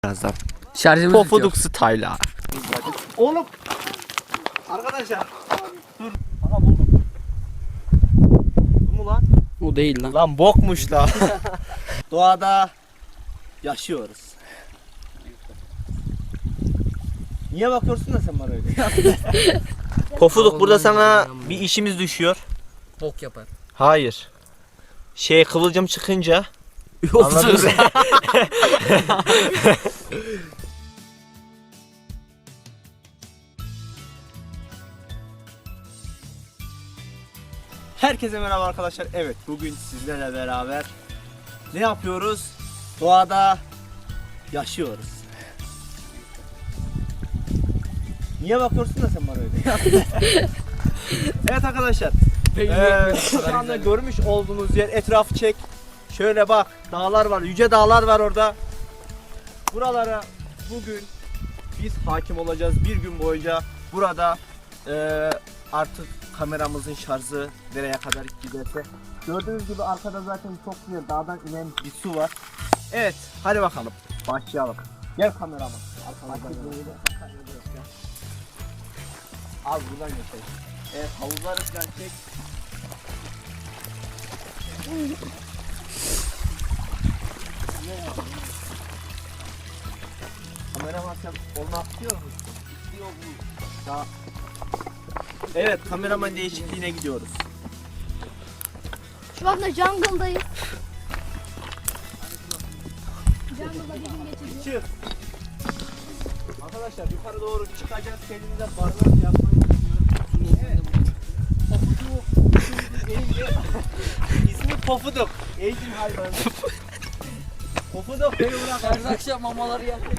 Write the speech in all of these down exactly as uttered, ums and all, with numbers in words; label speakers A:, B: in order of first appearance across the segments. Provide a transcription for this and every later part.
A: Birazdan.
B: Şarjımız
A: Pofuduk style'a.
C: Oğlum. Arkadaşlar. Dur. Aha buldum. Bu mu lan?
B: O değil lan.
C: Lan bokmuş la. Doğada yaşıyoruz. Niye bakıyorsun da sen bana öyle? Pofuduk burada sana bir işimiz düşüyor.
B: Bok yapar.
C: Hayır. Şey kıvılcım çıkınca anladın mı? Herkese merhaba arkadaşlar. Evet, bugün sizlerle beraber ne yapıyoruz? Doğada yaşıyoruz. Niye bakıyorsun da sen bana öyle? Evet arkadaşlar. Ee, şu anda görmüş olduğunuz yer, etrafı çek. Şöyle bak, dağlar var, yüce dağlar var orada. Buralara bugün biz hakim olacağız. Bir gün boyunca burada e, artık kameramızın şarjı nereye kadar giderse. Gördüğünüz gibi arkada zaten çok güzel dağdan inen bir su var. Evet, hadi bakalım. Başlayalım. Gel kameraman. Az buradan geçelim. Evet, havuzları falan çek. Kameraman sen onu atıyor musun? İstiyor bu. Daha... Evet, kameraman değişikliğine gidiyoruz.
D: Şu anda jungle'dayız. Jungle'da bir gün geçireceğiz.
C: Çık. Arkadaşlar yukarı doğru çıkacağız. Kendimize barınak yapmayı düşünüyoruz. Evet. Pofuduk. İsmi Pofuduk. Eğitim hayvanı. Pofuduk beni bırak.
B: Her akşam mamaları yapıyor.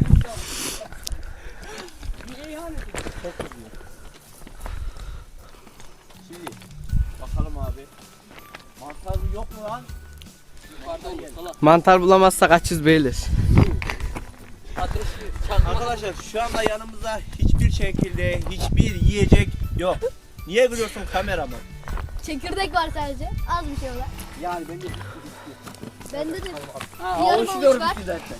C: Niye yani? Çok üzüyor. Şimdi bakalım abi. Mantar yok mu lan?
B: Yukarıdan gel. Salak.
A: Mantar bulamazsak açız beyler.
B: Ateşli. Çakmak.
C: Arkadaşlar şu anda yanımızda hiçbir şekilde hiçbir yiyecek yok. Niye gülüyorsun kameraman?
D: Çekirdek var sadece. Az bir şey var.
C: Yani ben de
D: Bende de
B: Ha,
D: yarım
B: avuç
D: avuç
B: gördük
D: var.
B: biz zaten.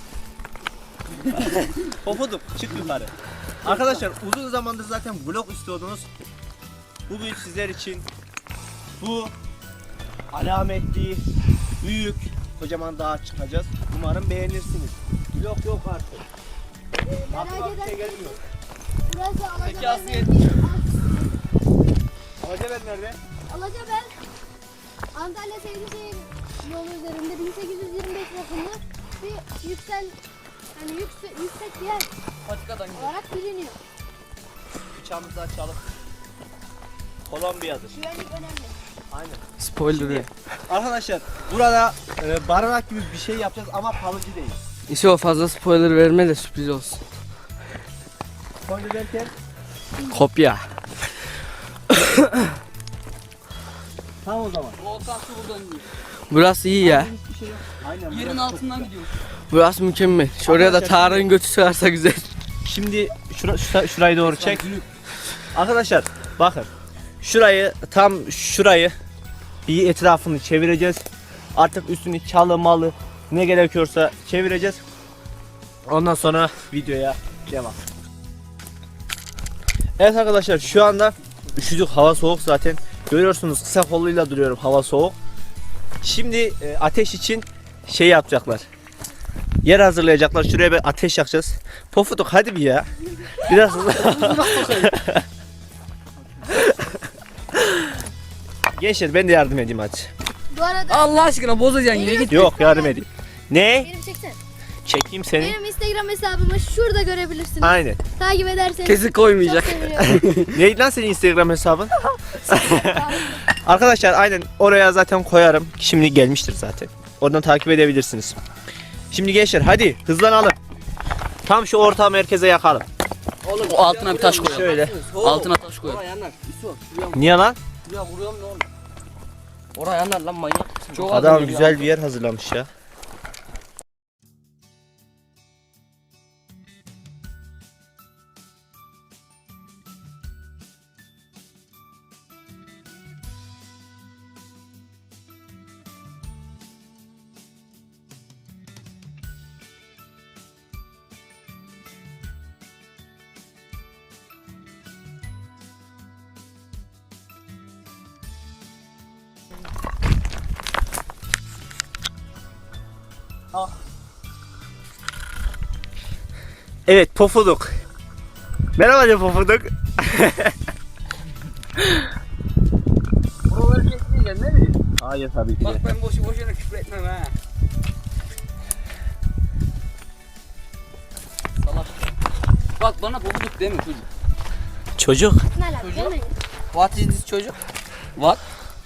C: Pofuduk çık yukarı. Arkadaşlar uzun zamandır zaten vlog istiyordunuz. Bugün sizler için bu alametli, büyük, kocaman dağa çıkacağız. Umarım beğenirsiniz. Vlog yok artık.
D: Ee,
C: Aklıma
D: merak
C: bir şey
D: eden
C: gelmiyor.
D: burası
B: Peki Aslı
D: Alacabel.
C: Alacabel nerede?
D: Alacabel Antalya Seydişehir yolu üzerinde bin sekiz yüz yirmi beş yapımı bir yüksel yani yüksek, yüksek bir yer
B: Patikadan gidelim.
D: olarak biliniyor.
C: Bıçağımızı açalım. Kolombiya'dır.
D: Güvenlik önemli.
C: Aynen.
A: Spoiler.
C: Arkadaşlar burada e, barınak gibi bir şey yapacağız ama kalıcı değil.
A: İşte o fazla spoiler verme de sürpriz olsun.
C: Böyle derken
A: Kopya.
C: tamam o zaman.
B: Volkan su buradan gidiyor.
A: Burası iyi ya.
C: Hiçbir şey yok. Aynen.
B: Yerin
C: burası çok
B: altından
C: güzel.
B: gidiyoruz.
A: Burası mükemmel. Şuraya da
C: Arkadaşlar,
A: Tarık'ın götü sığarsa güzel.
C: Şimdi şura, şura- şurayı doğru çek. Arkadaşlar bakın. Şurayı tam şurayı bir etrafını çevireceğiz. Artık üstünü çalı malı ne gerekiyorsa çevireceğiz. Ondan sonra videoya devam. Evet arkadaşlar şu anda üşüdük, hava soğuk zaten. Görüyorsunuz kısa kolluyla duruyorum, hava soğuk. Şimdi e, ateş için şey yapacaklar. Yer hazırlayacaklar. Şuraya bir ateş yakacağız. Pofuduk hadi bir ya. Biraz hızlı. Gençler ben de yardım edeyim hadi.
D: Bu arada
B: Allah aşkına bozacaksın yine git.
C: Yok yardım edeyim. Ne?
D: benim çeksene.
C: Çekeyim seni.
D: Benim Instagram hesabımı şurada görebilirsiniz.
C: Aynen.
D: Takip ederseniz
A: Kesin
D: çok
A: koymayacak.
D: sevinirim.
C: Neydi lan senin Instagram hesabın? Arkadaşlar aynen oraya zaten koyarım. Şimdi gelmiştir zaten. Oradan takip edebilirsiniz. Şimdi gençler hadi hızlanalım. Tam şu orta merkeze yakalım.
B: Oğlum o altına bir taş koyalım.
C: Şöyle.
B: Altına taş koyalım.
E: Oraya yanar. Yusuf. Şuraya,
C: Niye lan?
E: şuraya vuruyorum ne olur. Oraya yanar lan manyak.
B: Çok
C: Adam
B: geliyor.
C: güzel bir yer hazırlamış ya. Evet, Pofuduk. Merhaba de Pofuduk.
B: Buraları kesmeyeceksin değil mi?
C: Hayır tabii ki
B: Bak
C: de.
B: ben boşu boşuna küfür etmem ha. Salak. Bak bana bozuk değil mi çocuk?
C: Çocuk.
D: Ne alaka değil mi?
E: What is this çocuk?
B: What?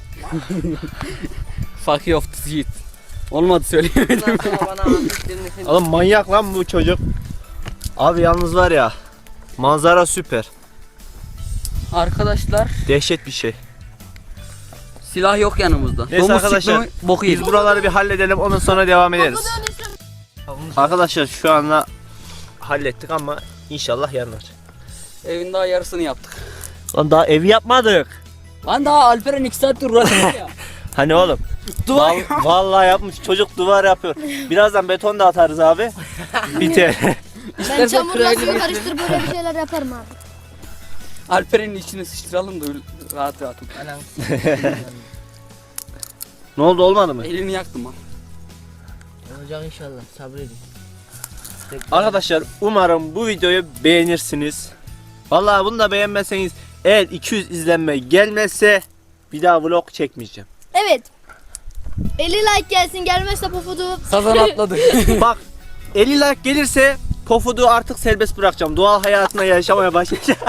A: Fuck you off the shit. Olmadı söyleyemedim.
E: Bundan sonra bana anlattıklarını sen...
C: Oğlum manyak lan bu çocuk. Abi yalnız var ya, manzara süper.
B: Arkadaşlar
C: Dehşet bir şey.
B: silah yok yanımızda.
C: Neyse
B: Domuz
C: arkadaşlar,
B: çıktı mı boku
C: Biz
B: yedik.
C: buraları bir halledelim, ondan sonra devam ederiz.
D: Pofuduk'un
C: Arkadaşlar şu anda hallettik ama inşallah yanar.
B: Evin daha yarısını yaptık.
C: Lan daha evi yapmadık.
B: Lan daha Alperen iki saattir uğraşıyor ya.
C: Hani oğlum?
B: Duvar
C: Val- vallahi yapmış, çocuk duvar yapıyor. Birazdan beton da atarız abi. Biter.
D: Ben çamurla suyu karıştırıp böyle bir şeyler yaparım abi.
B: Alperen'in içine sıçtıralım da öyle rahat rahat otur.
E: Anam.
C: Ne oldu, olmadı mı?
B: Elini yaktım ha.
E: Olacak inşallah, sabredin.
C: Arkadaşlar umarım bu videoyu beğenirsiniz. Vallahi bunu da beğenmezseniz, eğer iki yüz izlenme gelmezse bir daha vlog çekmeyeceğim.
D: Evet. elli like gelsin, gelmezse Pofuduk.
B: Sazan atladı.
C: Bak, elli like gelirse Pofuduk'u artık serbest bırakacağım. Doğal hayatına yaşamaya başlayacağım.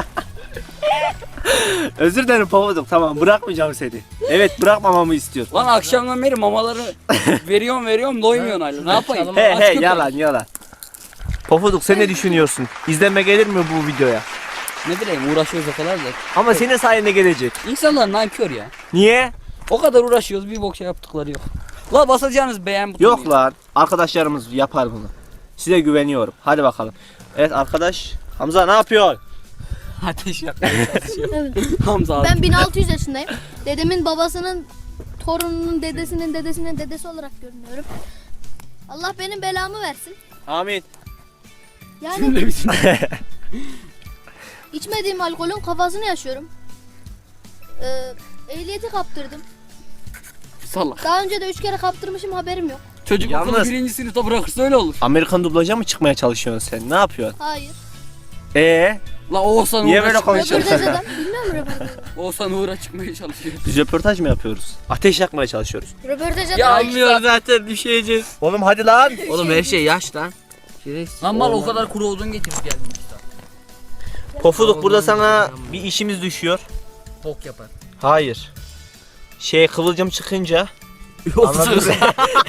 C: Özür dilerim Pofuduk, tamam bırakmayacağım seni. Evet, bırakmamamı istiyor.
B: Lan akşamdan beri mamaları veriyorum veriyorum doymuyorsun hala. Ne yapayım?
C: He
B: Aç
C: he
B: köpek.
C: yalan yalan. Pofuduk sen ne düşünüyorsun? İzlenme gelir mi bu videoya?
B: Ne bileyim uğraşıyoruz o kadar da.
C: Ama senin sayende gelecek.
B: İnsanlar nankör ya.
C: Niye?
B: O kadar uğraşıyoruz bir bok şey yaptıkları yok. La basacağınız beğen butonu.
C: Yok lan. Arkadaşlarımız yapar bunu. Size güveniyorum. Hadi bakalım. Evet arkadaş. Hamza ne yapıyor?
B: Ateş yakmaya çalışıyor.
D: Evet.
B: Hamza abi.
D: Ben bin altı yüz yaşındayım. Dedemin babasının torununun dedesinin dedesinin dedesi olarak görünüyorum. Allah benim belamı versin.
C: Amin.
D: Yani
B: Cümle bitin.
D: içmediğim alkolün kafasını yaşıyorum. Ee, ehliyeti kaptırdım.
B: Salak.
D: Daha önce de üç kere kaptırmışım, haberim yok.
B: Çocuk
C: Yalnız-
B: okulu birinci sınıfta bırakırsa öyle olur.
C: Amerikan dublaja mı çıkmaya çalışıyorsun sen? Ne yapıyorsun?
D: Hayır.
C: Ee,
B: La Oğuzhan
C: Niye
B: Uğur'a
C: böyle
B: çıkmaya
C: konuşuyorsun?
B: çalışıyor.
D: Röportaj adam. Bilmiyorum röportaj.
B: Oğuzhan Uğur'a çıkmaya çalışıyor.
C: biz röportaj mı yapıyoruz? Ateş yakmaya çalışıyoruz.
D: Röportaj adam.
B: Ya
A: Anlıyor zaten, düşeceğiz.
C: Oğlum hadi lan.
E: Oğlum her şey yaş lan. Şerefsiz.
B: Lan mal o kadar kuru odun getirip geldim.
C: Pofuduk burada sana bir işimiz düşüyor.
E: Bok yapar.
C: Hayır. Şey kıvılcım çıkınca. Anladın mı?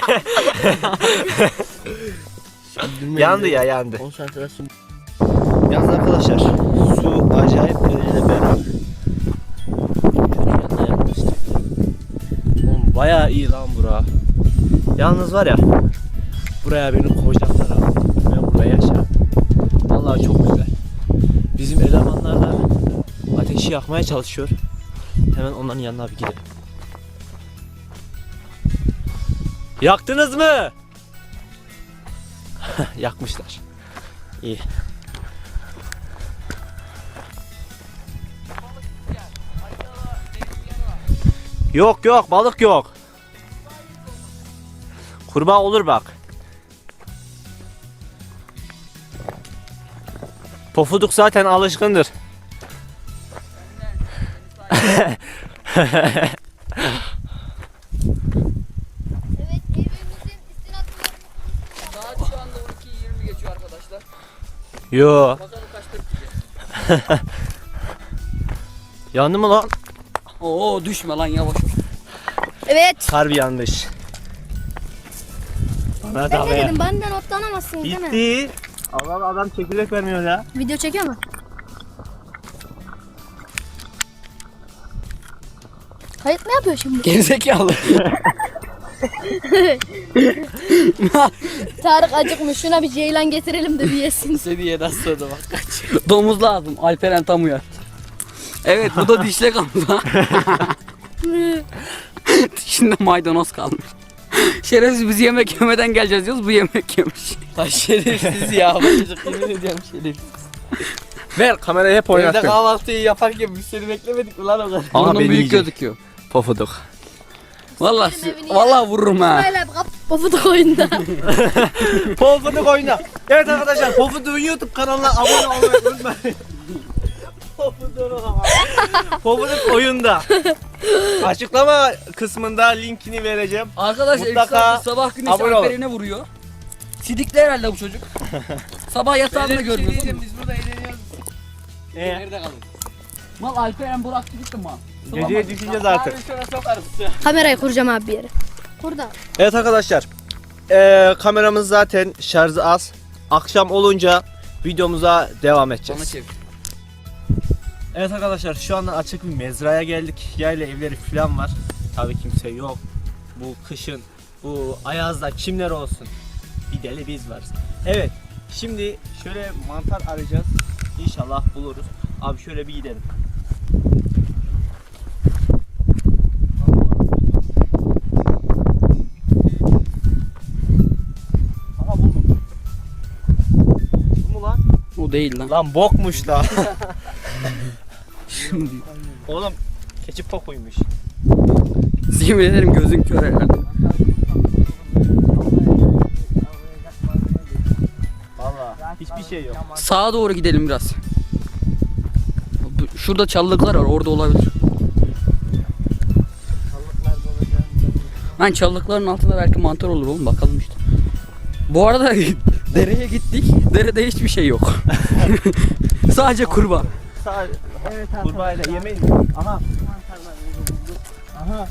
C: Yandı ya yandı.
E: Konsantrasyon.
C: Yalnız arkadaşlar su acayip derecede berrak. Şöyle yanına yaklaştık. Oğlum bayağı iyi lan bura. Yalnız var ya, buraya beni koyacaklar abi. Ben burada yaşarım. Vallahi çok güzel. Bizim elemanlar da ateşi yakmaya çalışıyor. Hemen onların yanına bir gidelim. Yaktınız mı? Yakmışlar. İyi. Yok yok balık yok. Kurbağa olur bak. Pofuduk zaten alışkındır.
D: Evet, evimizin istinatlarını
B: Saat şu anda on iki yirmi geçiyor arkadaşlar.
C: Yo.
B: Bakalım kaçta bitecek.
C: Yandı mı lan?
B: Oo düşme lan yavaş.
D: Evet.
C: Harbi yanlış. Bana
D: Ben
C: da
D: ne
C: be.
D: dedim? Benden otlanamazsın değil mi?
C: Gitti. Allah adam çekirdek vermiyor ya.
D: Video çekiyor mu? Kayıt mı yapıyor şimdi?
B: Gerizekalı.
D: Tarık acıkmış. Şuna bir ceylan getirelim de bir yesin.
A: Seviyeden sonra bak kaç.
B: Domuz lazım. Alperen tam uyar. Evet bu da dişlek Hamza. Dişinde maydanoz kalmış. Şerefsiz biz yemek yemeden geleceğiz diyoruz, bu yemek yemiş.
A: Ay şerefsiz ya. Bu çocuk yemin ediyorum şerefsiz.
C: Ver kamerayı hep
A: Evde
C: oynattın.
A: kahvaltıyı yaparken biz seni beklemedik mi lan o kadar?
C: Ama
B: Burnun
C: beni
B: büyük
C: yiyecek.
B: gözüküyor.
C: Pofuduk.
B: Vallahi
D: Sikerim evini ya.
B: vallahi vururum ha.
D: Böyle kap pofuduk oyunda.
C: Pofuduk oyunda. Evet arkadaşlar, Pofuduk'un YouTube kanalına abone olmayı unutmayın. Pofuduk. Pofuduk oyunda. Açıklama kısmında linkini vereceğim.
B: Arkadaşlar
C: Mutlaka
B: Mutlaka sabah güneşi
C: abone olun.
B: Alperen'e vuruyor. Sidikli herhalde bu çocuk. Sabah yatağında görüyorsun.
A: Biz burada eğleniyoruz.
C: Ee,
A: Nerede kalın?
B: Mal Alperen bıraktı gitti mal.
C: geceye düşüneceğiz artık.
A: Abi şöyle sokarız.
D: Kamerayı kuracağım abi bir yere. Burada.
C: Evet arkadaşlar, ee, kameramız zaten şarjı az. Akşam olunca videomuza devam
B: Bana
C: edeceğiz.
B: çevir.
C: Evet arkadaşlar, şu anda açık bir mezraya geldik. Yayla evleri falan var. Tabii kimse yok. Bu kışın, bu ayazda kimler olsun? Bir deli biz varız. Evet, şimdi şöyle mantar arayacağız. İnşallah buluruz. Abi şöyle bir gidelim. Aha buldum. Bu mu lan?
B: O değil lan.
C: Lan bokmuş da.
B: Şimdi
C: Oğlum keçi pokuymuş.
B: yemin ederim gözün kör herhalde.
C: Valla hiçbir şey yok.
B: Sağa doğru gidelim biraz. Bu- Şurada çalılıklar var, orada olabilir. Ben çalılıkların altında belki mantar olur oğlum, bakalım işte. Bu arada dereye gittik. Derede hiçbir şey yok. Sadece kurbağa.
C: Sadece evet, kurbağayla yemeyin. Aha. Aha.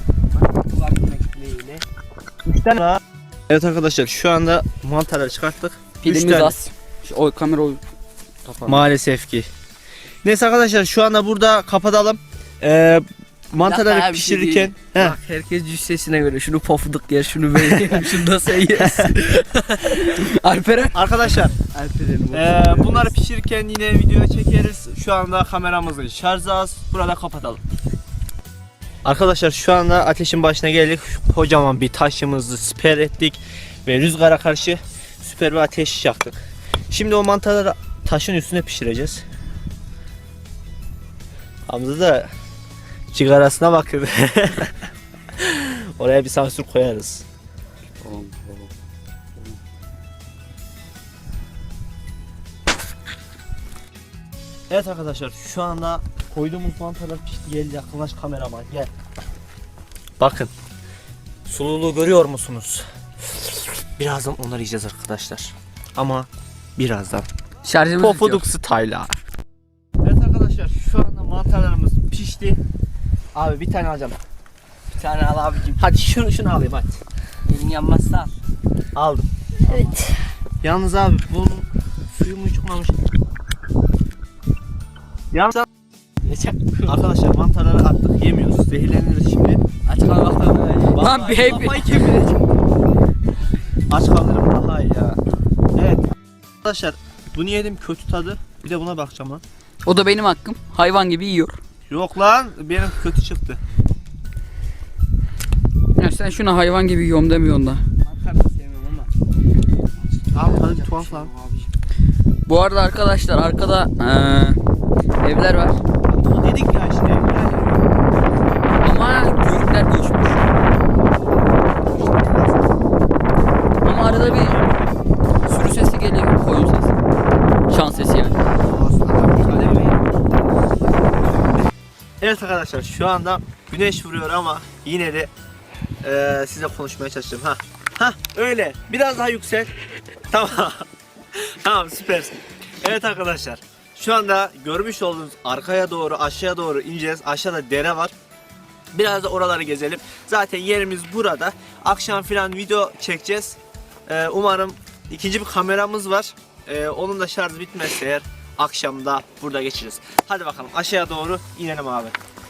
C: Üç tane. Evet arkadaşlar, şu anda mantarları çıkarttık. Üç
B: Pilimiz
C: tane.
B: az. Şu, o kamera o kapalı.
C: Maalesef ki. Neyse arkadaşlar, şu anda burada kapatalım. Ee, mantarları
A: Hatta bir şey
C: pişirirken heh,
A: Bak herkes cüssesine göre şunu pofuduk yer, şunu ben yerim, şunu da sen yersin.
B: Alperen.
C: arkadaşlar
A: Alperen'im.
C: ee, bunları pişirirken yine video çekeriz. Şu anda kameramızın şarjı az. Burada kapatalım. Arkadaşlar şu anda ateşin başına geldik. Kocaman bir taşımızı siper ettik ve rüzgara karşı süper bir ateş yaktık. Şimdi o mantarları taşın üstüne pişireceğiz. Hamza da cigarasına bakıyor. Oraya bir sansür koyarız. Evet arkadaşlar, şu anda koyduğumuz mantarlar pişti. Gel yakınlaş kameraman, gel. Bakın. Sululuğu görüyor musunuz? Birazdan onları yiyeceğiz arkadaşlar. Ama birazdan.
B: Şarjımız
C: Pofuduk style'a. Evet arkadaşlar, şu anda mantarlarımız pişti. Abi bir tane alacağım.
A: Bir tane al abicim.
C: Hadi şunu şunu alayım hadi.
A: Elin yanmazsa al.
C: Aldım.
D: Evet.
C: Yalnız abi bunun suyu mu çıkmamış? Yalnız arkadaşlar mantarları attık, yemiyoruz. Zehirleniriz şimdi.
A: Aç kalmaktan böyle.
B: Lan bir hep-
C: Kafayı kemireceğim. Aç kalırım daha iyi ya. Evet. Arkadaşlar bunu yedim, kötü tadı. Bir de buna bakacağım lan.
B: O da benim hakkım. Hayvan gibi yiyor.
C: Yok lan, benim kötü çıktı.
B: Ya sen şuna hayvan gibi yiyorum demiyorsun da.
A: Mantar da sevmiyorum ama.
C: Abi tadı bir tuhaf lan.
B: Bu arada arkadaşlar arkada eee, evler var.
C: O dedik ya işte. Yani.
B: Ama görükler göçmüş. Ama arada bir sürü sesi geliyor. Koyun sesi. Şan sesi yani.
C: Evet arkadaşlar, şu anda güneş vuruyor ama yine de eee size konuşmaya çalışacağım. Ha, ha öyle. Biraz daha yüksel. Tamam. Tamam, süpersin. Evet arkadaşlar, şu anda görmüş olduğunuz arkaya doğru, aşağıya doğru ineceğiz. Aşağıda dere var. Biraz da oraları gezelim. Zaten yerimiz burada. Akşam filan video çekeceğiz. Eee, umarım ikinci bir kameramız var. Eee, onun da şarjı bitmezse eğer akşamda burada geçiririz. Hadi bakalım aşağıya doğru inelim abi.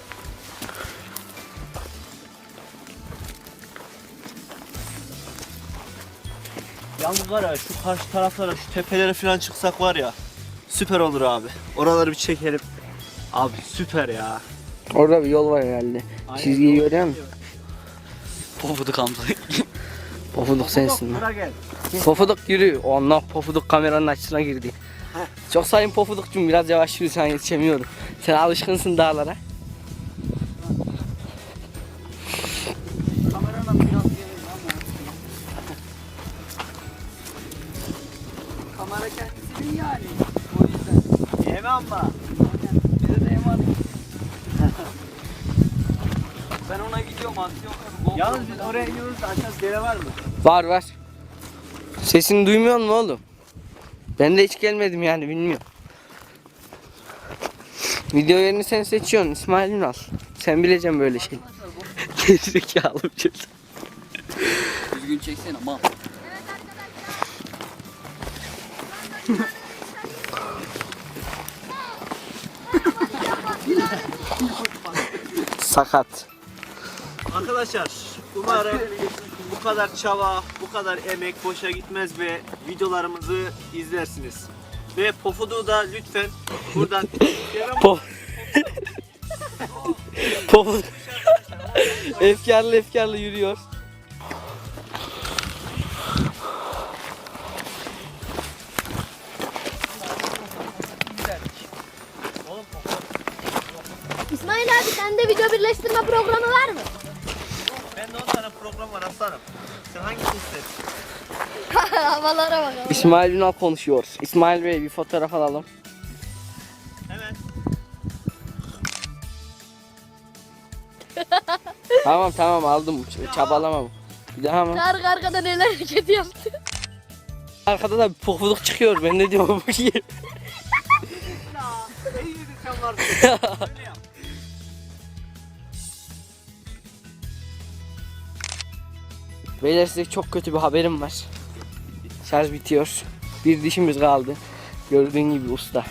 C: Yalnız var ya, şu karşı taraflara, şu tepelere falan çıksak var ya, süper olur abi. Oraları bir çekelim. Abi süper ya.
E: Orada bir yol var herhalde. Çizgiyi görüyor musun?
B: Pofuduk Hamza.
E: Pofuduk sensin lan.
C: Bura gel.
E: Pofuduk yürü. Allah Pofuduk kameranın açısına girdi. Çok sayın Pofudukcum, biraz yavaş yürü, sen yetişemiyorum. Sen alışkınsın dağlara.
C: Kamera
B: Senin yani. O yüzden.
C: Yeme ama.
B: Bize de emanet. Ben ona gidiyorum atıyorum.
C: Yalnız biz oraya iniyoruz da aşağıda dere var mı?
E: Var var. Sesini duymuyor musun oğlum? Ben de hiç gelmedim yani bilmiyorum. Video yerini sen seçiyorsun İsmail Ünal. Sen bileceksin böyle şey. Gerizekalı bir şey.
B: Düzgün çeksene mal.
E: Sakat.
C: Arkadaşlar umarım bu kadar çaba, bu kadar emek boşa gitmez ve videolarımızı izlersiniz. Ve Pofuduk'u da lütfen buradan
E: Po Pofuduk efkarlı efkarlı yürüyor.
D: İsmail abi sende video birleştirme programı var mı?
C: Ben de on tane program var aslanım. Sen hangisini istersin?
D: Havalara bak.
E: İsmail Ünal konuşuyor. İsmail Bey bir fotoğraf alalım.
C: Hemen.
E: Tamam tamam aldım. Ç- Çabalamam. Bir daha mı?
D: Kargı arkada neler hareket yaptı.
E: Arkada da bir pofuduk çıkıyor. Ben ne diyorum bu ki?
C: Ne yedin sen vardı? Öyle yap.
E: Beyler size çok kötü bir haberim var. Şarj bitiyor. Bir dişimiz kaldı. Gördüğün gibi usta.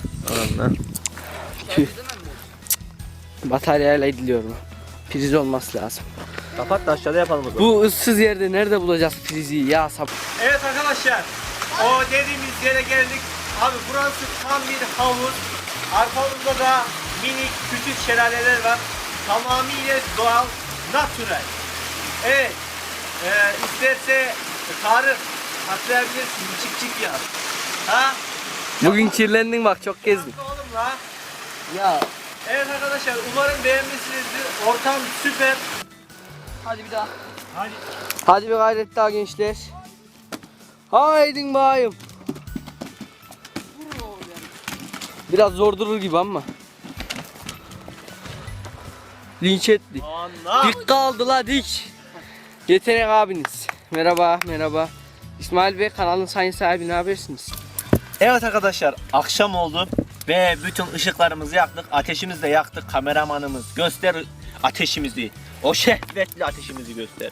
E: Tüh. Bataryayla ediliyor bu. Priz olması lazım.
C: Kapat da aşağıda yapalım o zaman.
E: Bu ıssız yerde nerede bulacağız prizi ya sap?
C: Evet arkadaşlar, o dediğimiz yere geldik. Abi burası tam bir havuz. Arkamızda da minik küçük şelaleler var. Tamamıyla doğal, natürel. Evet, e, isterse Tarık hatırlayabilirsin, çık çık ya. Ha?
E: Bugün kirlendin bak çok gezdin.
C: Nasıl oğlum la?
B: Ya
C: Evet arkadaşlar, umarım beğenmişsinizdir. Ortam süper.
B: hadi bir daha.
C: Hadi.
E: Hadi bir gayret daha gençler. Haydin bayım. Biraz zor durur gibi ama. Linç ettik.
C: Anla.
E: Dik kaldı la dik. Yetenek abiniz. Merhaba merhaba. İsmail Bey kanalın sayın sahibi ne habersiniz?
C: Evet arkadaşlar, akşam oldu ve bütün ışıklarımızı yaktık, ateşimizi de yaktık. Kameramanımız göster ateşimizi, o şehvetli ateşimizi göster.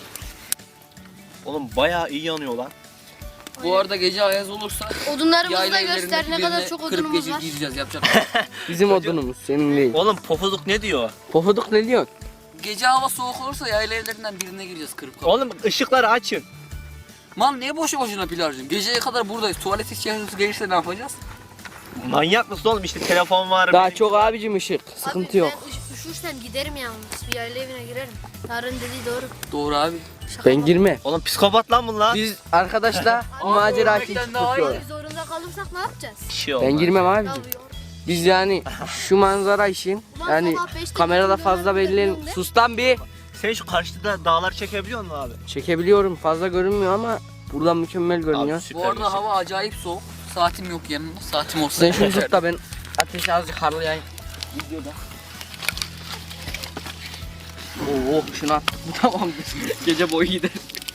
C: Oğlum bayağı iyi yanıyor lan.
B: Bu arada gece ayaz olursa
D: Odunlarımızı da
B: yayla
D: göster.
B: evlerindeki
D: Ne kadar
B: birine
D: çok
B: kırıp
D: odunumuz
B: gece
D: var.
B: gideceğiz yapacak.
E: Bizim odunumuz senin değil.
C: Oğlum Pofuduk ne diyor?
E: Pofuduk ne diyor?
B: Gece hava soğuk olursa yayla evlerinden birine gireceğiz kırıp.
C: Oğlum ışıkları açın.
B: Man niye boşu boşuna pil harcıyorsun? Geceye kadar buradayız. Tuvalet ihtiyacımız gelirse ne yapacağız?
C: Manyak mısın oğlum, işte telefon var.
E: Daha
C: benim-
E: çok abicim ışık. Sıkıntı
D: Abi,
E: yok.
D: Ben üş- üşürsem giderim yalnız. Bir yayla evine girerim. Tarık'ın dediği doğru.
B: Doğru abi.
D: Şaka
E: Ben
D: bak.
E: girme.
C: Oğlum psikopat lan bunlar.
E: Biz arkadaşlar macera için
B: ölmekten daha
E: çıkıyoruz.
D: Biz zorunda kalırsak ne yapacağız?
C: Bir şey
E: Ben
C: olmaz.
E: girmem
D: Ya,
E: abicim. Biz yani şu manzara işin
D: Ulan
E: yani
D: sabah beşte
E: kamerada
D: gidiyorum,
E: fazla
D: dönüyorum,
E: belli.
D: dönüyorum de.
E: Sus lan bir.
C: Sen şu karşıda dağlar çekebiliyor musun abi?
E: Çekebiliyorum. Fazla görünmüyor ama buradan mükemmel görünüyor.
C: Abi süper
B: Bu arada
C: bir şey.
B: hava acayip soğuk. Saatim yok yanımda. Saatim olsa
E: Sen şunu
B: geçerdim.
E: tut da ben ateşi azıcık harlayayım. Videoda. Oo şunu attık mı tamamdır. Gece boyu gider.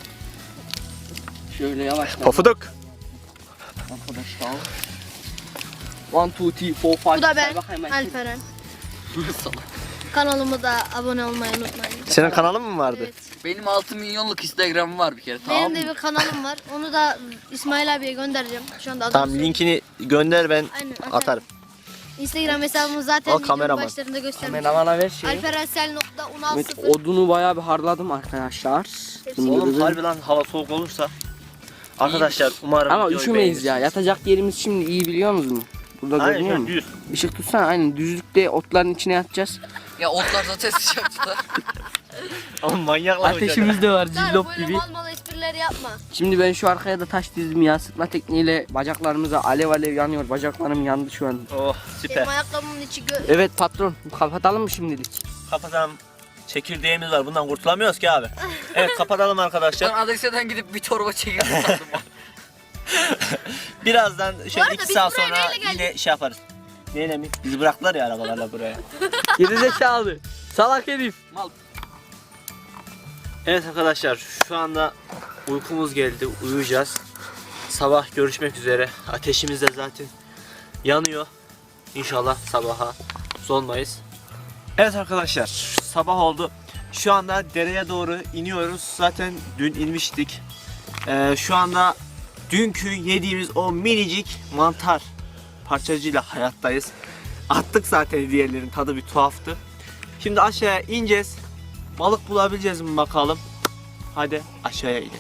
E: Şöyle yavaş.
C: Pofuduk.
E: Arkadaşlar. One, two, three, four, five.
D: Bu da ben.
E: Say bakayım ben.
D: Alperen.
B: Salak.
D: Kanalıma da abone olmayı unutmayın.
C: Senin kanalın mı vardı?
D: Evet.
B: Benim altı milyonluk Instagram'ım var bir kere, tamam
D: Benim
B: mı?
D: de bir kanalım var. Onu da İsmail abiye göndereceğim. Şu anda
C: Tamam,
D: adını
C: linkini gönder, ben
D: Aynen, atarım.
C: atarım.
D: Instagram hesabımı zaten
C: Al
D: videonun
C: kameraman.
D: başlarında göstermiştim.
E: Kameramana ver şeyi.
D: Alperensel nokta unal
E: Evet,
D: sıfır.
E: odunu bayağı bir harladım arkadaşlar.
C: Oğlum harbi lan, hava soğuk olursa. Arkadaşlar umarım
E: Ama
C: videoyu
E: üşümeyiz ya.
C: beğenirsiniz.
E: Yatacak yerimiz şimdi iyi biliyor musunuz? Burada
C: Aynen
E: görünüyor
C: şöyle
E: mu?
C: düz.
E: Işık tutsana aynen düzlükte otların içine yatacağız.
B: Ya otlar zaten sıcak tutar.
C: Oğlum manyaklar hocam.
E: Ateşimiz de var
D: Tarık
E: cillop
D: böyle
E: gibi.
D: mal mal esprileri yapma.
E: Şimdi ben şu arkaya da taş dizdim ya. Sıkma tekniğiyle bacaklarımıza alev alev yanıyor. Bacaklarım yandı şu an.
C: Oh
D: Benim
C: süper.
D: ayakkabımın içi gö...
E: Evet patron kapatalım mı şimdilik?
C: Kapatalım. Çekirdeğimiz var, bundan kurtulamıyoruz ki abi. Evet, kapatalım
B: Ben
C: arkadaşlar.
B: Adesya'dan gidip bir torba çekirdeği sandım.
C: Birazdan şöyle
D: arada
C: iki
D: biz
C: saat
D: buraya
C: sonra
D: neyle geldik?
C: yine şey yaparız. Neyle mi? Bizi bıraktılar ya arabalarla buraya.
B: Gerizekalı. Salak herif. Mal.
C: Evet arkadaşlar şu anda uykumuz geldi. Uyuyacağız. Sabah görüşmek üzere. Ateşimiz de zaten yanıyor. İnşallah sabaha sonmayız. Evet arkadaşlar sabah oldu. Şu anda dereye doğru iniyoruz. Zaten dün inmiştik. Ee, şu anda dünkü yediğimiz o minicik mantar parçacığıyla hayattayız. Attık zaten, diğerlerin tadı bir tuhaftı. Şimdi aşağıya ineceğiz. Balık bulabileceğiz mi bakalım. Hadi aşağıya inelim.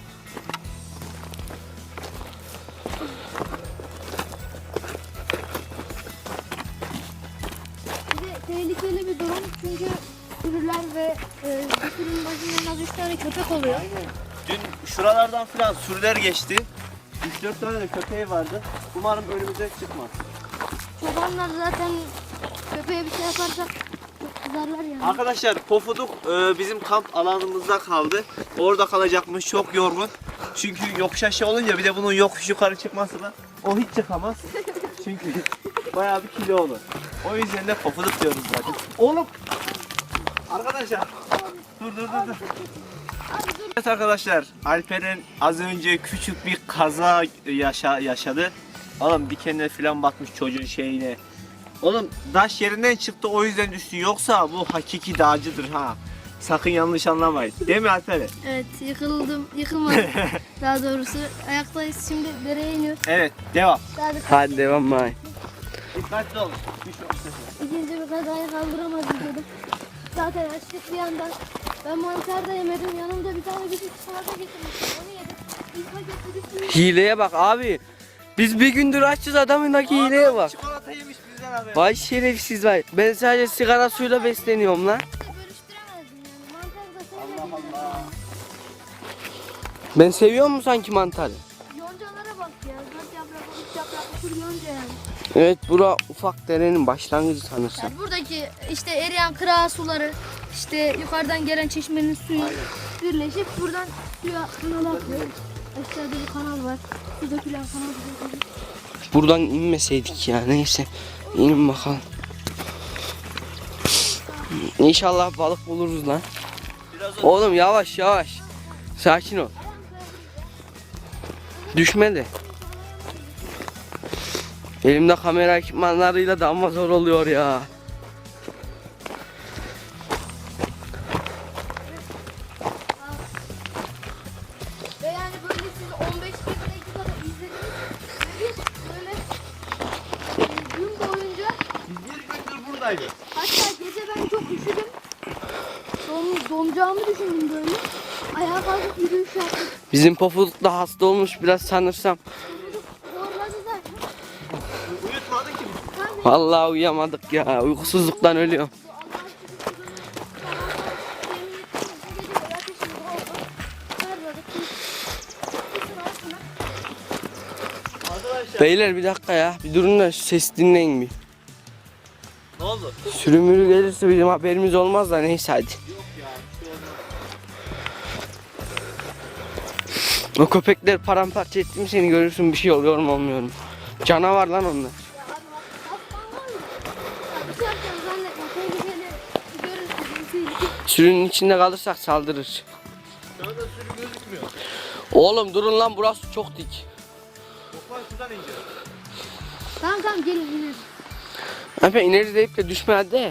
D: Bir de tehlikeli bir durum çünkü sürüler ve e, bir sürünün başında en az üç tane köpek oluyor.
C: Dün şuralardan filan sürüler geçti. üç dört tane de köpeği vardı. Umarım önümüze çıkmaz.
D: Çobanlar zaten köpeğe bir şey yaparsa çok kızarlar yani.
C: Arkadaşlar Pofuduk e, bizim kamp alanımızda kaldı. Orada kalacakmış, çok yorgun. Çünkü yokuş aşağı olunca bir de bunun yokuş yukarı çıkması da o hiç çıkamaz. Çünkü bayağı bir kilo olur. O yüzden de Pofuduk diyoruz zaten. Oğlum! Arkadaşlar! Dur dur dur dur. Evet arkadaşlar, Alperen az önce küçük bir kaza yaşa yaşadı. Oğlum dikenler falan batmış çocuğun şeyine. Oğlum taş yerinden çıktı, o yüzden düştü. Yoksa bu hakiki dağcıdır ha. Sakın yanlış anlamayın. Değil mi Alperen?
D: Evet, yıkıldım, yıkılmadım daha doğrusu. Ayaktayız, şimdi dereye iniyoruz.
C: Evet, devam.
D: Daha da
B: Hadi devam bay.
C: Dikkatli olun. Düşmeyin.
D: ikinci bir kazayı kaldıramadım dedim. Zaten açtık bir yandan. Ben mantar da yemedim, yanımda bir tane küçük çikolata getirmiştim, onu yedim. İlk pakette bir sürü
B: Hileye bak abi. Biz bir gündür açız, adamındaki hileye bak.
C: Çikolata yemiş bizden abi.
B: Vay şerefsiz vay. Ben sadece sigara suyla besleniyorum lan.
D: de bölüştüremezdim yani. Mantar da sevmedim.
C: Allah Allah.
B: Ben seviyor mu sanki mantarı?
D: Yoncalara bak ya. Dört yapraklı, üç yapraklı kur yonca yani.
B: Evet, bura ufak derenin başlangıcı sanırsam.
D: Yani buradaki işte eriyen kıra suları, işte yukarıdan gelen çeşmenin suyu birleşip buradan suya kanala akıyor. Aşağıda bir kanal var. Su dökülen kanal.
B: Buradan inmeseydik ya, neyse. İnin bakalım. İnşallah balık buluruz lan.
C: Biraz
B: Oğlum yavaş yavaş. Sakin ol. Düşme de. Elimde kamera ekipmanlarıyla da ama zor oluyor ya.
D: Ve yani böyle siz on beş dakikada izlediniz. Ve biz böyle e, gün boyunca,
C: biz bir gündür buradaydık.
D: hatta gece ben çok üşüdüm. Don, donacağımı düşündüm böyle. Ayağa kalkıp yürüyüş yaptım.
B: Bizim Pofuduk da hasta olmuş biraz sanırsam.
D: Zorladı zaten.
C: Uyutmadın ki bizi.
B: Vallahi uyuyamadık ya. Uykusuzluktan ölüyorum.
C: Arkadaşlar
B: Beyler bir dakika ya. Bir durun da şu ses dinleyin bir.
C: ne oldu?
B: Sürümürü gelirse bizim haberimiz olmaz da neyse hadi. O köpekler paramparça etti mi seni görürsün, bir şey oluyor mu olmuyor mu? Canavar lan onlar. Sürünün içinde kalırsak saldırır.
C: Şu anda sürü gözükmüyor.
B: Oğlum durun lan, burası çok dik.
C: Toplar şuradan ineceğiz.
D: Tamam tamam gelin gelin.
B: Efendim ineriz deyip de düşme hadi.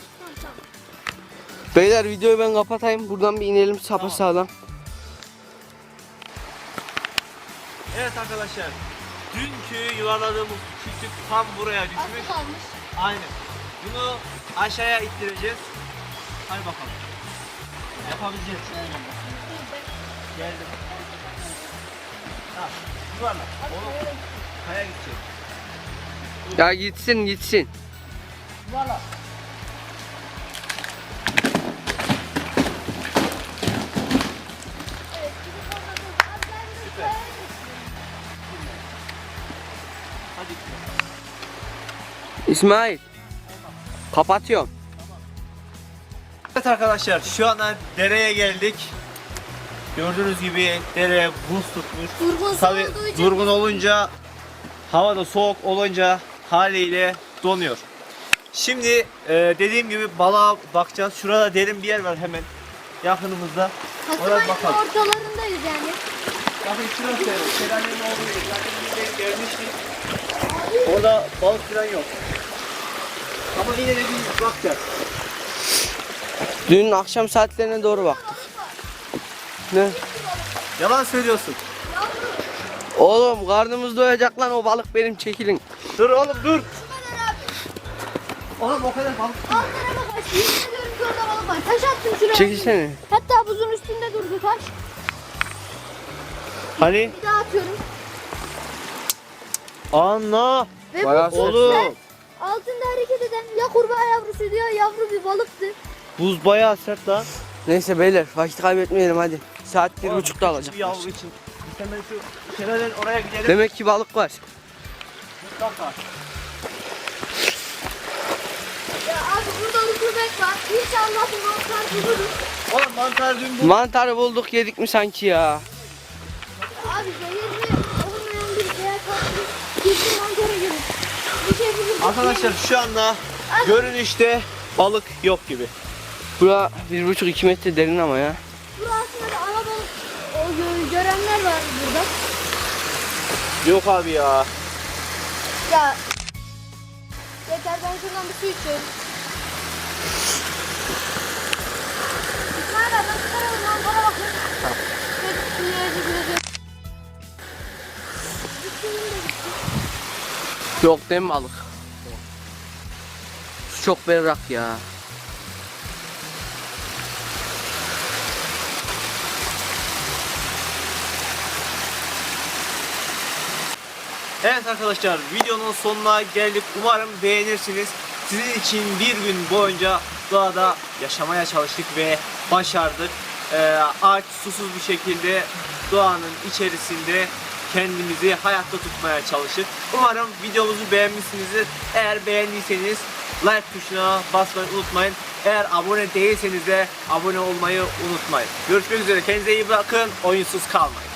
B: Beyler videoyu ben kapatayım, buradan bir inelim sapasağlam.
C: Evet arkadaşlar. Dünkü yuvarladığımız küçük tam buraya düşmüş.
D: Aslı kalmış.
C: Aynen. Bunu aşağıya ittireceğiz. Hadi bakalım. Yapabileceğiz. Geldim. Ha, yuvarla. Oğlum, kaya gidecek.
B: Ya gitsin gitsin.
C: Yuvarla. Süper. Hadi.
B: İsmail. Kapatıyorum.
C: Evet arkadaşlar şu anda dereye geldik. Gördüğünüz gibi dere buz tutmuş.
D: Durgun su
C: Tabii
D: olduğu için
C: durgun olunca hava da soğuk olunca haliyle donuyor. Şimdi e, dediğim gibi balığa bakacağız. Şurada derin bir yer var hemen yakınımızda. Oraya
D: Kasımayın
C: bakalım.
D: ortalarındayız yani.
C: Bakın şurası şelalenin olduğu yer. Zaten biz de gelmiştik. Orada balık falan yok. Ama yine de bir bakacağız.
E: Dün akşam saatlerine doğru baktık. Ne?
C: Yalan söylüyorsun.
E: Oğlum karnımız doyacak lan, o balık benim, çekilin.
C: Dur oğlum dur. Oğlum o kadar balık.
D: Alt tarafa kaç. Yemin ediyorum ki orada balık var. Taş attım şuraya.
E: Çekilsene.
D: Hatta buzun üstünde durdu taş.
C: Hani?
D: Bir daha atıyorum.
C: Anla.
D: Ve
E: Bayağı
D: bu
C: Oğlum.
D: sert. Altında hareket eden ya kurbağa yavrusu diyor, yavru bir balıktı.
C: Buz bayağı sert lan.
E: Neyse beyler, vakit kaybetmeyelim hadi. Saat bir
C: Oğlum,
E: buçukta
C: küçük
E: alacak.
C: bir yavru için. Biz hemen şu şelalenin oraya gidelim.
E: Demek ki balık var.
C: Mutlaka.
D: Ya abi burada rutubet var. İnşallah bu mantar buluruz.
C: Oğlum mantar dün bu.
E: Mantarı bulduk, yedik mi sanki ya?
D: Abi zehirli olmayan bir veya tatlı bir mantara gelir. Bir şey buluruz.
C: Arkadaşlar şu anda görünüşte balık yok gibi.
E: Bura bir buçuk iki metre derin ama ya.
D: Burası aslında da ana balık o gö- görenler var burada.
C: Yok abi ya.
D: Ya yeter, ben şuradan bir su içiyorum. İsmail abi ben çıkarıyorum lan, bana bakın. Tamam.
E: Yok değil mi balık? Su çok berrak ya.
C: Evet arkadaşlar, videonun sonuna geldik. Umarım beğenirsiniz. Sizin için bir gün boyunca doğada yaşamaya çalıştık ve başardık. Ee, aç susuz bir şekilde doğanın içerisinde kendimizi hayatta tutmaya çalıştık. Umarım videomuzu beğenmişsinizdir. Eğer beğendiyseniz like tuşuna basmayı unutmayın. Eğer abone değilseniz de abone olmayı unutmayın. Görüşmek üzere. Kendinize iyi bakın. Oyunsuz kalmayın.